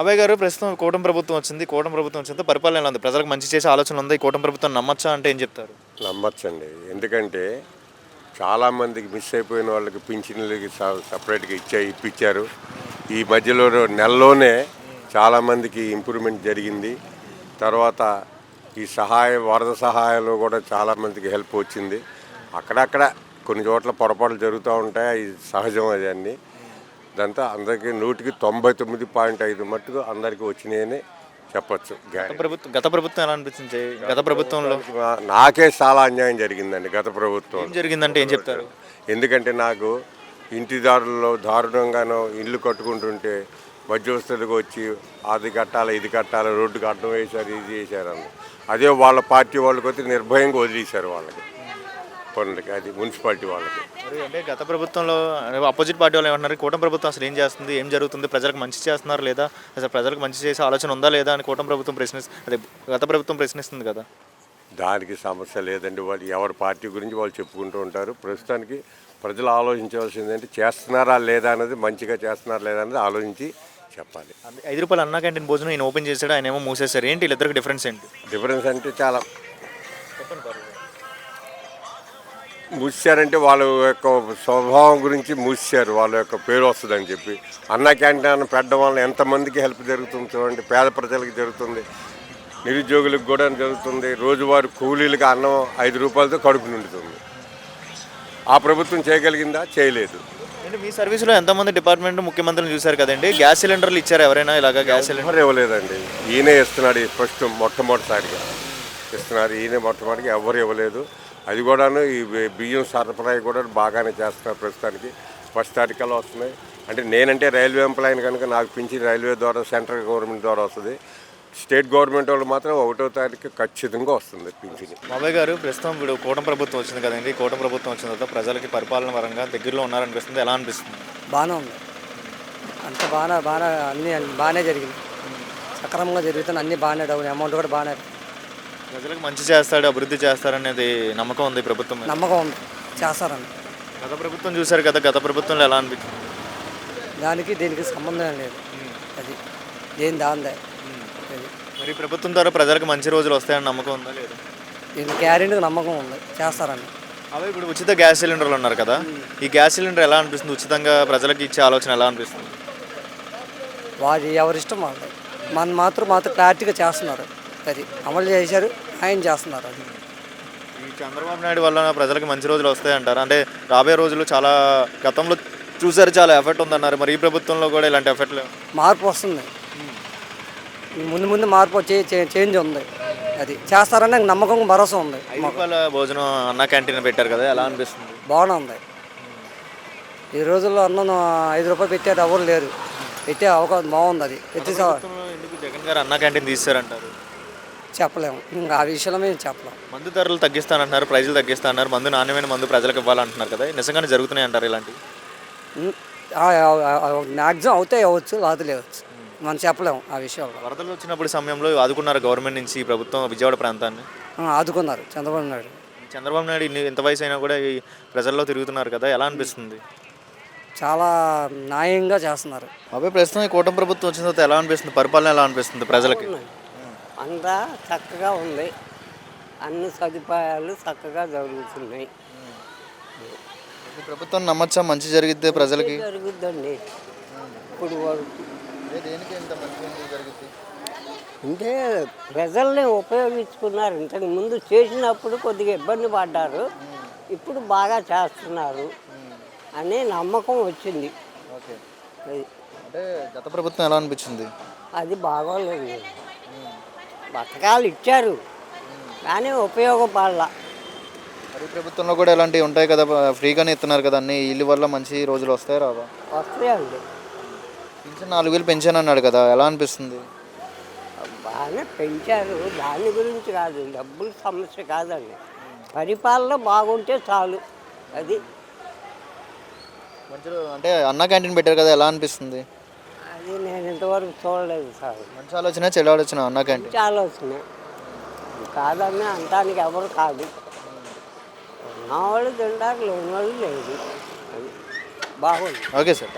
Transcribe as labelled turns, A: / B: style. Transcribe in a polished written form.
A: అభయ్ గారు, ప్రస్తుతం కూటమి ప్రభుత్వం వచ్చింది. కూటమి ప్రభుత్వం వచ్చిన పరిపాలన ఎలా ఉంది? ప్రజలకు మంచి చేసే ఆలోచన ఉంది. ఈ కూటమి ప్రభుత్వం నమ్మచ్చా అంటే ఏం చెప్తారు?
B: నమ్మచ్చండి. ఎందుకంటే చాలామందికి మిస్ అయిపోయిన వాళ్ళకి పింఛన్లకి సపరేట్గా ఇప్పించారు. ఈ మధ్యలో నెలలోనే చాలామందికి ఇంప్రూవ్మెంట్ జరిగింది. తర్వాత ఈ వరద సహాయాలు కూడా చాలామందికి హెల్ప్ వచ్చింది. అక్కడక్కడ కొన్ని చోట్ల పొరపాట్లు జరుగుతూ ఉంటాయి, అది సహజం. అది అన్నీ దాంతో అందరికీ 99.5 మట్టుకు అందరికీ వచ్చినాయని చెప్పచ్చు.
A: గత ప్రభుత్వం ఎలా అనిపించింది? గత ప్రభుత్వంలో
B: నాకే చాలా అన్యాయం జరిగిందండి గత ప్రభుత్వం.
A: ఏం జరిగిందంటే ఏం చెప్తారు?
B: ఎందుకంటే నాకు ఇంటిదారుల్లో దారుణంగానో ఇల్లు కట్టుకుంటుంటే మధ్యవస్తులకు వచ్చి అది కట్టాలి, ఇది కట్టాలి, రోడ్డుకి అడ్డం వేశారు, ఇది చేశారని. అదే వాళ్ళ పార్టీ వాళ్ళకి వచ్చి నిర్భయంగా వదిలేశారు వాళ్ళకి పనులకి, అది మున్సిపాలిటీ వాళ్ళకి.
A: అంటే గత ప్రభుత్వంలో అపోజిట్ పార్టీ వాళ్ళు ఏమంటున్నారు? కూటమి ప్రభుత్వం అసలు ఏం చేస్తుంది, ఏం జరుగుతుంది, ప్రజలకు మంచి చేస్తున్నారు లేదా, అసలు ప్రజలకు మంచి చేసే ఆలోచన ఉందా లేదా అని కూటమి ప్రభుత్వం అదే గత ప్రభుత్వం ప్రశ్నిస్తుంది కదా.
B: దానికి సమస్య లేదండి. వాళ్ళు ఎవరి పార్టీ గురించి వాళ్ళు చెప్పుకుంటూ ఉంటారు. ప్రస్తుతానికి ప్రజలు ఆలోచించవలసింది ఏంటి, చేస్తున్నారా లేదా అనేది, మంచిగా చేస్తున్నారా లేదా అనేది ఆలోచించి చెప్పాలి.
A: ₹5 అన్నా క్యాంటీన్ భోజనం ఆయన ఓపెన్ చేశాడు, ఆయన ఏమో మూసేశారు. ఏంటి వీళ్ళిద్దరికి డిఫరెన్స్ ఏంటి?
B: డిఫరెన్స్ అంటే చాలా మూసారంటే వాళ్ళ యొక్క స్వభావం గురించి మూసారు, వాళ్ళ యొక్క పేరు వస్తుందని చెప్పి. అన్న క్యాంటీన్ పెట్టడం వల్ల ఎంతమందికి హెల్ప్ జరుగుతుంది చూడండి. పేద ప్రజలకు జరుగుతుంది, నిరుద్యోగులకు కూడా జరుగుతుంది. రోజువారీ కూలీలకు అన్నం ₹5 కడుపు నిండుతుంది. ఆ ప్రభుత్వం చేయగలిగిందా? చేయలేదు.
A: అంటే మీ సర్వీస్లో ఎంతమంది డిపార్ట్మెంట్ ముఖ్యమంత్రిని చూశారు కదండి. గ్యాస్ సిలిండర్లు ఇచ్చారు ఎవరైనా ఇలాగా? గ్యాస్ సిలిండర్
B: ఇవ్వలేదండి. ఈయనే ఇస్తున్నాడు. ఫస్ట్ మొట్టమొదటిసారిగా ఇస్తున్నారు ఈయన. మొట్టమొదటిగా ఎవరు ఇవ్వలేదు. అది కూడాను ఈ బియ్యం సరఫరా కూడా బాగానే చేస్తున్నారు. ప్రస్తుతానికి ఫస్ట్ తారీఖులో వస్తున్నాయి. అంటే నేనంటే రైల్వే ఎంప్లాయీని కనుక నాకు పింఛన్ రైల్వే ద్వారా, సెంట్రల్ గవర్నమెంట్ ద్వారా వస్తుంది. స్టేట్ గవర్నమెంట్ వాళ్ళు మాత్రం 1వ తారీఖు ఖచ్చితంగా వస్తుంది పింఛన్.
A: బాబాయ్ గారు, ప్రస్తుతం ఇప్పుడు కూటమి ప్రభుత్వం వచ్చింది కదండి. కూటమి ప్రభుత్వం వచ్చిన తర్వాత ప్రజలకి పరిపాలన పరంగా దగ్గరలో ఉన్నారనిపిస్తుంది. ఎలా అనిపిస్తుంది?
C: బాగానే ఉంది. అంత బాగా అన్నీ బాగానే జరిగింది. సక్రమంగా జరుగుతుంది. అన్నీ బాగానే డౌన్ అమౌంట్ కూడా బాగానే.
A: ప్రజలకు మంచి చేస్తాడు, అభివృద్ధి చేస్తారనేది నమ్మకం ఉంది ప్రభుత్వం మీద?
C: నమ్మకం ఉంది, చేస్తారని.
A: గత ప్రభుత్వం చూశారు కదా, గత ప్రభుత్వంలో ఎలా అనిపించింది?
C: దానికి దీనికి సంబంధం లేదు. అది దేని దాందే.
A: మరి ప్రభుత్వం ద్వారా ప్రజలకు మంచి రోజులు వస్తాయని నమ్మకం ఉందా లేదా?
C: దీనికి గ్యారెంటీకి నమ్మకం ఉంది, చేస్తారని.
A: అవి ఇప్పుడు ఉచిత గ్యాస్ సిలిండర్లు ఉన్నారు కదా, ఈ గ్యాస్ సిలిండర్ ఎలా అనిపిస్తుంది? ఉచితంగా ప్రజలకు ఇచ్చే ఆలోచన ఎలా అనిపిస్తుంది?
C: వారి ఎవరిష్టం వాళ్ళది. మన మాత్రం క్లారిటీగా చేస్తున్నారు. అది అమలు చేశారు, ఆయన చేస్తున్నారు. అది
A: ఈ చంద్రబాబు నాయుడు వల్ల ప్రజలకు మంచి రోజులు వస్తాయంటారు. అంటే రాబోయే రోజులు చాలా గతంలో చూసారు, చాలా ఎఫెక్ట్ ఉందన్నారు. మరి ఈ ప్రభుత్వంలో కూడా ఇలాంటి ఎఫెక్ట్
C: మార్పు వస్తుంది. ముందు మార్పు వచ్చి చేంజ్ ఉంది. అది చేస్తారని నమ్మకం, భరోసా ఉంది.
A: ₹5 భోజనం అన్న క్యాంటీన్ పెట్టారు కదా, ఎలా అనిపిస్తుంది?
C: బాగానే ఉంది. ఈ రోజుల్లో అన్నం ₹5 పెట్టారు, ఎవరు లేరు. పెట్టే అవకాశం బాగుంది. అది
A: ఎందుకు జగన్ గారు అన్న క్యాంటీన్ తీస్తారంటారు?
C: చెప్పలేము, ఇంకా ఆ విషయంలో మేము చెప్పలేము.
A: మందు ధరలు తగ్గిస్తానంటున్నారు, ప్రైజులు తగ్గిస్తాన్నారు, మందు నాణ్యమైన మందు ప్రజలకు ఇవ్వాలంటున్నారు కదా, నిజంగానే జరుగుతున్నాయి అంటారు ఇలాంటివి?
C: మ్యాక్సిమం అవుతాయి, అవ్వచ్చు, లేదు లేవచ్చు, మనం చెప్పలేము ఆ విషయంలో.
A: వరదలు వచ్చినప్పుడు సమయంలో ఆదుకున్నారు గవర్నమెంట్ నుంచి ఈ ప్రభుత్వం విజయవాడ ప్రాంతాన్ని?
C: ఆదుకున్నారు చంద్రబాబు నాయుడు.
A: చంద్రబాబు నాయుడు ఇంత వయసు అయినా కూడా ఈ ప్రజల్లో తిరుగుతున్నారు కదా, ఎలా అనిపిస్తుంది?
C: చాలా న్యాయంగా చేస్తున్నారు.
A: అబ్బాయి, ప్రస్తుతం ఈ కూటమి ప్రభుత్వం వచ్చిన తర్వాత ఎలా అనిపిస్తుంది? పరిపాలన ఎలా అనిపిస్తుంది ప్రజలకి?
D: అంతా చక్కగా ఉంది. అన్ని సదుపాయాలు చక్కగా జరుగుతున్నాయి.
A: ఈ ప్రభుత్వం నమ్మచ్చా మంచి జరిగితే ప్రజలకి?
D: జరుగుద్దండి. ఇప్పుడు
A: దేనికి ఇంత మంచి జరిగింది
D: అంటే ప్రజల్ని ఉపయోగించుకున్నారు. ఇంతకు ముందు చేసినప్పుడు కొద్దిగా ఇబ్బంది పడ్డారు, ఇప్పుడు బాగా చేస్తున్నారు అనే నమ్మకం వచ్చింది.
A: ఓకే. అంటే గత ప్రభుత్వం ఎలా అనిపించింది?
D: అది బాగోలేదు. పథకాలు ఇచ్చారు కానీ ఉపయోగపడాల.
A: మరి ప్రభుత్వంలో కూడా ఇలాంటివి ఉంటాయి కదా, ఫ్రీగానే ఇస్తున్నారు కదా అన్ని. ఇల్లు వల్ల మంచి రోజులు వస్తాయి రావా?
D: వస్తాయండి.
A: పింఛన్ 4,000 పెంచాను అన్నాడు కదా, ఎలా అనిపిస్తుంది?
D: బాగానే పెంచారు, దాని గురించి కాదు, డబ్బుల సమస్య కాదండి. పరిపాలన బాగుంటే చాలు. అది
A: మంచి అంటే అన్న క్యాంటీన్ పెట్టారు కదా, ఎలా అనిపిస్తుంది?
D: అది నేను ఇంతవరకు చూడలేదు సార్.
A: మంచి ఆలోచన, చెడు ఆలోచన అన్న క్యాంటీన్?
D: మంచి ఆలోచన కాదని అంటానికి ఎవరు కాదు. ఉన్నవాళ్ళు తింటారు, లేని వాళ్ళు లేదు. అది బాగుంది.
A: Okay sir.